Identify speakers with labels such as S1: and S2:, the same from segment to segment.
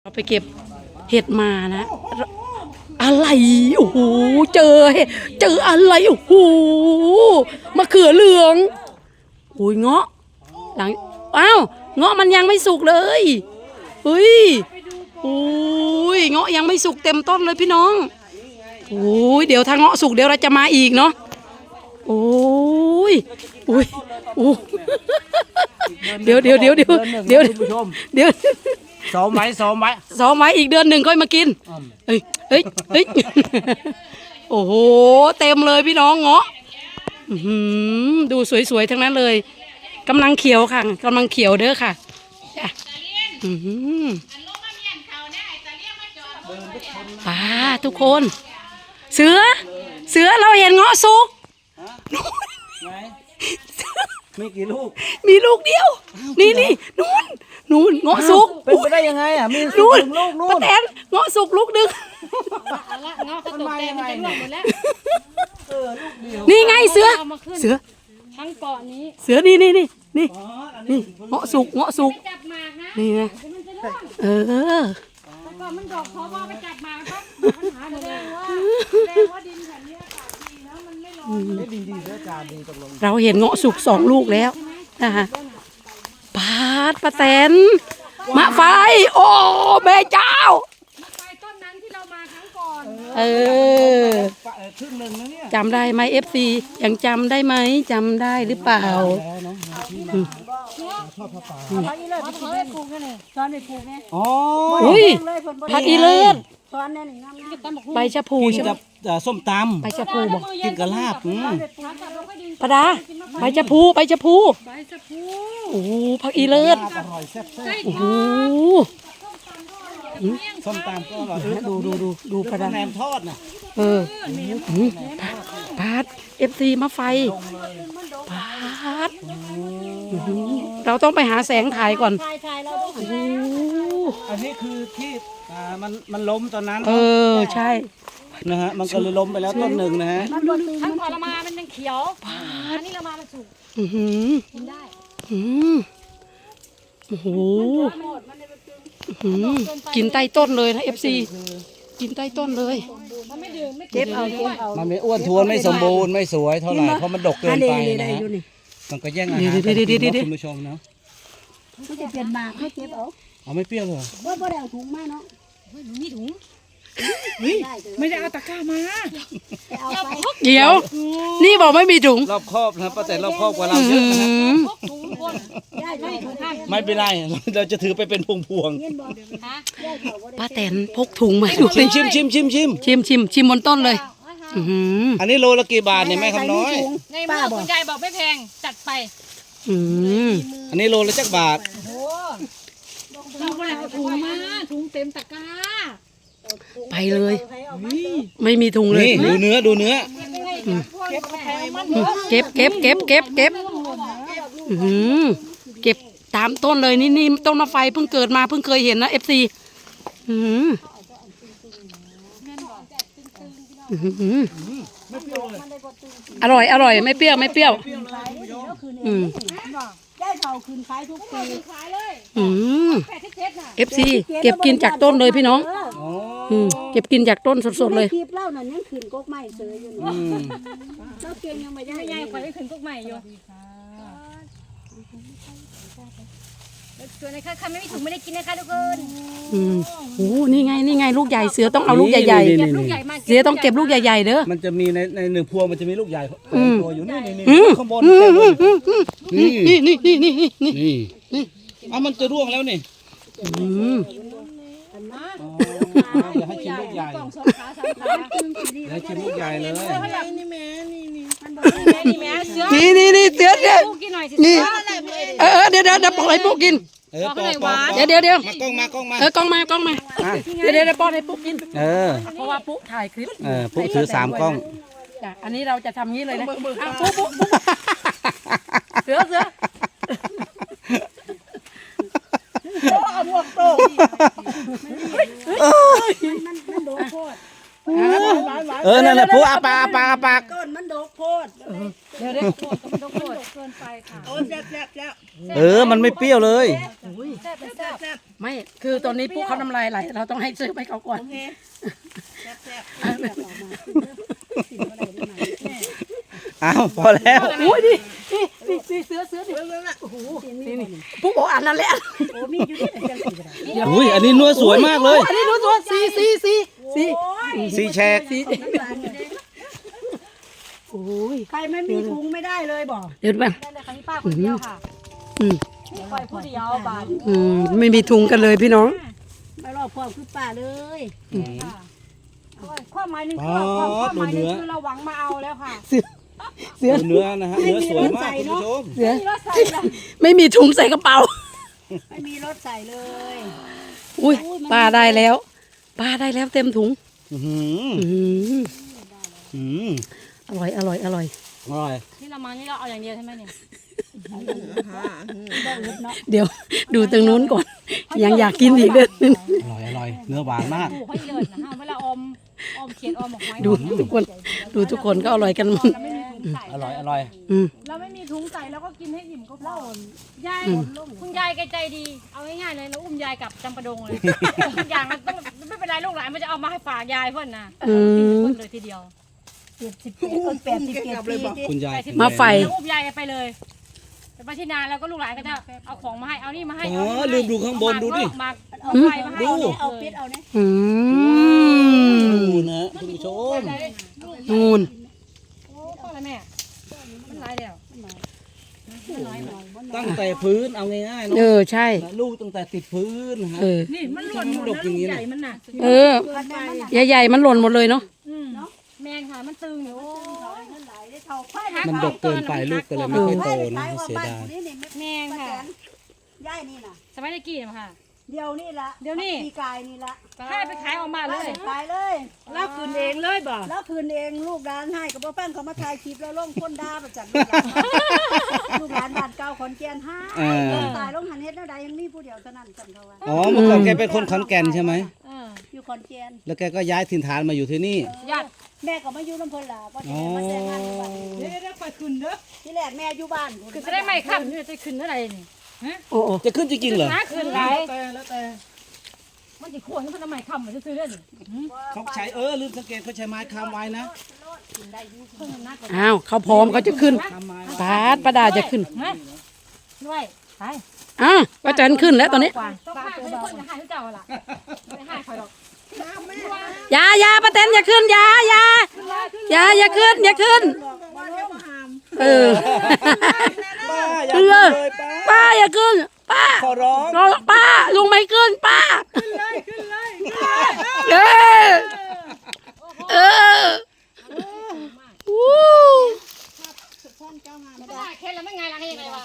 S1: เราไปเก็บเห็ดมานะอะไรโอ้โหเจออะไรโอ้โหมะเขือเหลืองโอ้ยเงาะหลังอ้าวเงาะมันยังไม่สุกเลยเฮ้ยโอ้ยเงาะยังไม่สุกเต็มต้นเลยพี่น้องโอ้ยเดี๋ยวถ้าเงาะสุกเดี๋ยวเราจะมาอีกเนาะโอ้ยโอ้ยโอ้เดี๋ยว
S2: ซ้อมไว้
S1: ซ้อมไว้อีกเดือนหนึ่งค่อยมากินเฮ้ยโอ้โหเต็มเลยพี่น้องเงาะดูสวยๆทั้งนั้นเลยกำลังเขียวค่ะกำลังเขียวเด้อค่ะป้าทุกคนเสือเราเห็นเงาะสุก
S2: มีกี่ลูก
S1: มีลูกเดียวนี่นู่นเงาะสุก
S2: เป็นไปได้ยังไงอ่ะมี
S1: นู่น
S2: ลูก
S1: ป้าแตนเงาะสุกลูกนึง
S3: เงาะกระตุกเต็มมันจะร่วงหมดแล้ว
S1: นี่ไงเสือ
S3: ทั้งเกาะนี้
S1: เสือนี่เงาะสุก
S3: จับหมากนะ
S1: นี่นะ
S3: แต่ก่อนมันดอกเพราะว่าไปจับหมากครับปัญหาแสดงว่าดินแถวนี้อากาศดีนะมันไม่ร้อน
S2: ดินดีเสือจานดีตกลง
S1: เราเห็นเงาะสุก2 ลูกแล้วนะคะป้าแตนมะไฟโอ้แม่เจ้า
S3: ไปต้นนั้นที่เรามาครั้งก่อน
S2: ครึ่งหนึ่งนะเนี่ย
S1: จำได้ไหมFCยังจำได้ไหมจำได้หรือเปล่า
S3: เขาอีเลิศเขาไปปลูกกันเลยตอนไปปลูกไง
S1: อุ้ยผักอีเลิศ
S3: ตอนนั้นงาม
S1: ใบชะพูใช่ไหม
S2: ส้มตำ
S1: ใบชะพูบอก
S2: กินกระลาบ
S1: ปดาใบชะพูโอ้ผักอีเลิศโอ้โห
S2: ส้มตำก็อร่อย
S1: ดูปดา
S2: แหนมทอดน่ะ
S1: ปาด FC มาไฟปาดเราต้องไปหาแสงถ่ายก่อน
S2: อันนี้คือที่มันล้มตอนนั้น
S1: ใช่
S2: นะฮะมันก็เลยล้มไปแล้วต้นหนึ่งนะฮะ
S3: ทั้งก่อนละมามันยังเขียวอันนี้ละมามันสุกกินได้
S1: โอ้โหกินใต้ต้นเลยนะ FC กินใต้ต้นเลย
S3: เก็บเอา
S2: มันไม่อ้วนท้วนไม่สมบูรณ์ไม่สวยเท่าไหร่เพราะมันดกเกินไปนะฮะมันก็แย่งอาหารคุณผู้ชมนะ
S3: เขาจะเปลี่ยนหมากให้เก็บ
S2: เอาไม่เปรี้ยวเลย
S3: ว่าได้เอาถุงมาเนาะมีถุง
S1: ไม่ได้เอาตะกร้ามาเดี๋ยวนี่บอกไม่มีถุง
S2: รอบครอบนะป้าแต่รอบครอบกว่าเราเยอะนะไม่เป็นไรเราจะถือไปเป็นพวง
S1: ป้าแตนพกถุงมาดูชิมบนต้นเลย
S2: อันนี้โลละกี่บาทเนี่ยแม่คำน้อย
S3: ในเมื่อคุณยายบอกไม่แพงจัดไป
S2: อันนี้โลละจักบาท
S3: เราไม่ได้เอาถุงมาถุงเต็มตะกร้า
S1: ไปเลยไม่มีถุงเลย
S2: ดูเนื้อ
S1: เก็บตามต้นเลยนี่ต้นมะไฟเพิ่งเกิดมาเพิ่งเคยเห็นนะ FC อร่อยไม่เปรี้ยว
S3: ได้เผาคืนขายทุกปี
S1: FC เก็บกินจากต้นเลยพี่น้องเก็บกินจากต้นสดๆเลย
S3: คลิปเล่านั่นยังขืนก๊กใหม่เสยอยู่เจ้าเกียงยังไม่ได้ยังคอยขืนก๊กใหม่อยู่ส่วนในค่ะไม่มีถุงไม่ได้กินนะคะทุกคน
S1: โอ้นี่ไงลูกใหญ่เสือต้องเอาลูกใหญ่ๆเสือต้องเก็บลูกใหญ่ๆเด้อ
S2: มันจะมีใน1 พวงมันจะมีลูกใหญ่ตัวอยู่นี่ข้างบนนี่มันจะร่วงแล้วนี่อย่าให้ชิมลูกใหญ่ให้ชิมลูกใหญ่เลย
S1: นี่เสือนี่เดี๋ยวเดี๋ยวปล่อยปุ๊กกินเดี๋ยว
S2: กล้องมาก
S1: ล้องมาเดี๋ยวป้อนให้ปุ๊กกินเพราะว่าปุ๊กถ่ายคลิป
S2: ปุ๊กถือ3 กล้อง
S1: อันนี้เราจะทำงี้เลยนะปุ๊กเสือเอาหมวกโต
S3: มันโดนโคตร
S2: นั่นแหละปุ๊กอาปาก
S3: ต้นมันโดนโคตร
S1: เดี๋ยว
S3: มันโดนเกินไปค่ะ
S2: มันไม่เปรี้ยวเลย
S1: ไม่คือตอนนี้ปุ๊เขาน้ำลายไหลเราต้องให้ซื้อไปเขาก่อน
S4: โอเคแซ่บ
S2: อ้าวพอแล้ว
S1: โอ้ยดินี่เสือดิโอ้โหนี่ปุ๊บอกอันนั้นแหละ
S4: ๆโอ้มีอยู่ที่จังสีก็ได้
S2: อุ้ยอันนี้นัวสวยมากเลย
S1: อันนี้ดูตัวสี
S2: สีแฉก
S1: โอ้ย
S4: ใครไม่มีถุงไม่ได้เลยบอก
S1: เดี๋ยวไป
S3: ได้เลยค่ะพี่ป้าคนเดียวค่ะ
S1: อืม
S3: นี่คอยผู้เดียวบาท
S1: ไม่มีถุงกันเลยพี่น้อง
S4: ไม่รอบพ่อคือป้าเลย
S3: ค่ะความหมายหนึงคือความหมายหนึงคือเราหวังมาเอาแล้วค่ะ
S1: เสือ
S2: เนื้อนะฮะเนื้อสวยมากคุณผู้ชม
S1: เสือ
S3: นี่รถใส่ละ
S1: ไม่มีถุงใส่กระเป๋า
S4: ไม่มีรถใส่เลย
S1: อุ้ยปลาได้แล้วปลาได้แล้วเต็มถุง
S2: อื้อหือ
S1: อืม
S2: อืม
S1: อร่อย
S2: อร่อย
S3: นี่เรามานี่เราเอาอย่างเดียวใช่ไหมเนี่ย
S1: เดี๋ยวดูตรงนู้นก่อน ยังอยากกินอีกเด้อ
S2: อร่อยเนื้อหวานมาก
S3: ปลูกให้เยินนะฮะเวลาอมเขียนอมหมกไม้
S1: ดูทุกคนก็อร่อยกันหมด
S3: เราไม่มีถุงใส่
S2: อร่อย
S1: อืม
S3: เราไม่มีถุงใส่แล้วก็กินให้อิ่มก็พอยายคุณยายแกใจดีเอาง่ายๆเลยเราอุ้มยายกลับจำปาดงเลยทุกอย่างมันต้องไม่เป็นไรลูกหลานมันจะเอามาให้ฝากยายเพื่อนนะกินเพื่อนเลยทีเดียว
S4: 87ปี
S2: คุณยาย
S1: มาไฟ
S3: แล้วอุ้มยายไปเลยไปที่นาแล้วก็ลูกหลานก็จะเอาของมาให้เอานี่มาให้
S2: อ๋อลืมดูข้างบนดูดิ
S3: มาเอาไฟมาให้
S4: เอาปิดเอาเนี่ย
S1: อืม
S2: ดูนะคุณผู้ชม
S1: นูน
S3: โอ้พ่ออะไรแม่มันร้ายแล้ว
S2: ตั้งแต่พื้นเอาง่ายๆเนาะ
S1: ใช่
S2: ลูกตั้งแต่ติดพื้นนะฮะ
S3: นี่มันหล่น
S2: มันดกอย่างนี้นะ
S3: มันน่ะ
S1: ใหญ่ๆมันหล่นหมดเลยเนาะ
S3: แมงค่ะมันตึงอยู่
S2: มันดกเกินไปลูกก็เลยไม่ค่อยโตนะเสียดาย
S3: แมงค่ะ
S4: ย่ายนี่นะ
S3: สมัยตะกี้นะค่ะ
S4: เดี๋ยวนี่ละ
S3: เดี๋ยวนี้
S4: ปีกายนี่ละ
S3: ให้ไปขายออกมาเลย
S4: ขายเลย
S3: แล้วคืนเองเลยบ่
S4: แล้วคืนเองลูกร้านให้กับพ่อแป้งเขามาถ่ายคลิปแล้วลงคนด่าประจันลูกร้านบ้านเก่าขอนแก่นห้าตายลงหันเฮ็ดแล้วใดยังมีผู้เดียวเท่านั้นกันเขาว่า
S2: อ๋อเมื่อก่อนแกเป็นคนขอนแก่นใช่ไหม
S4: อยู่ขอนแก่น
S2: แล้วแกก็ย้ายถิ่นฐานมาอยู่ที่นี่
S3: ญาติ
S4: แม่ก็มาอยู่น้ำเพลินล่ะเพราะที่แม่มาแต่งงานอยู่บ้าน
S3: เดี๋ยวไปคืนเด้อ
S4: ที่แรกแม่อยู่บ้าน
S3: คือจะได้ไม่ขับนี่จะคืนเท่าไหร่นี่
S1: โอ้
S2: จะขึ้นจริงๆเหรอ
S3: คืนไรแล้วแต่มันจะขวนมันทำไมขับมันจะซื้อเล่น
S2: เขาใช้ลืมสังเกตเขาใช้ไม้ค้ำไว้นะ
S1: อ้าวเขาพร้อมเขาจะขึ้นป้าดาจะขึ้น
S3: ด้วยไป
S1: ป้าจันขึ้นแล้วตอนนี้
S3: ต้องฆ่าให้คนจะฆ่าให้เจ้าล่ะไม่ฆ่าใครหรอก
S1: อย่าป้าแตนอย่าขึ้นอย่าขึ้นป้าอย่าขึ้นป้า
S2: ขอร้อง
S1: ป้าลุงไม่ขึ้นป้าวู้
S3: ไม่ได้แค่แล้วไม่ไงล่ะให้ยังไงวะ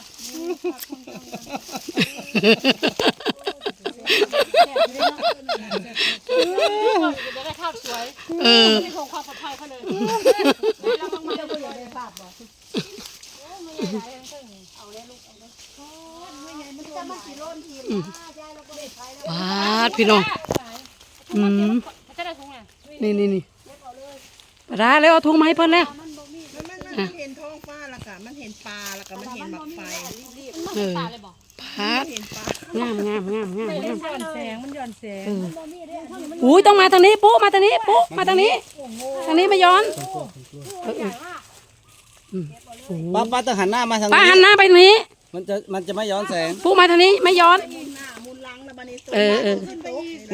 S3: จะได้ข้าวสวยไม่คงความปลอดภัยเขาเลยแล้วบางมันก็เลยฝากบอกไม่ใหญ่เอาเลยลูกเอาเลยไม่ใหญ่มันจะมากี่โลนทียายเราก็ได้ใช้แล้ว
S1: ป้าพี่น้อง
S3: จะได้ถุงไง
S1: นี่ป้าดาแล้วเอาถุงมาให้เพิ่นแล้ว
S5: มันเห็นท้องฟ้าแล้วก็มันเห็นปลาแล้วก็มันเห็นหมักไฟ
S3: ปลาเลยบอก
S1: ป้างาม
S3: มันย้อนแสงมันย้อนแสง
S1: อุ้ยต้องมาทางนี้ปุ๊มาทางนี้ปุ๊มาทางนี้ไม่ย้อน
S2: ป้าต้องหันหน้ามาทาง
S1: ป้า
S2: นี้
S1: หันหน้าไปทางนี้
S2: มันจะไม่ย้อนแสง
S1: ปุ๊มาทางนี้ไม่ย้อน
S5: หน้ามุนลังแล้วบันนี้ตัว
S1: ขึ้นไปอีก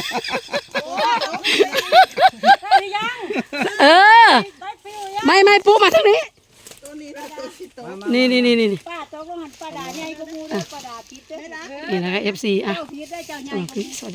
S1: ไม่ปุ๊มาทางนี้
S5: ตัวนี้แล้วตัวที่โต
S1: นี่
S4: ป้าตกลงหันป้าดาใหญ่ก็มูเด้อป้าดาผิดเด้อ
S1: นี่นะคะ FC อ่ะ
S4: เจ้าผิดได้เจ้าใหญ่ก็มู
S1: สวัสดี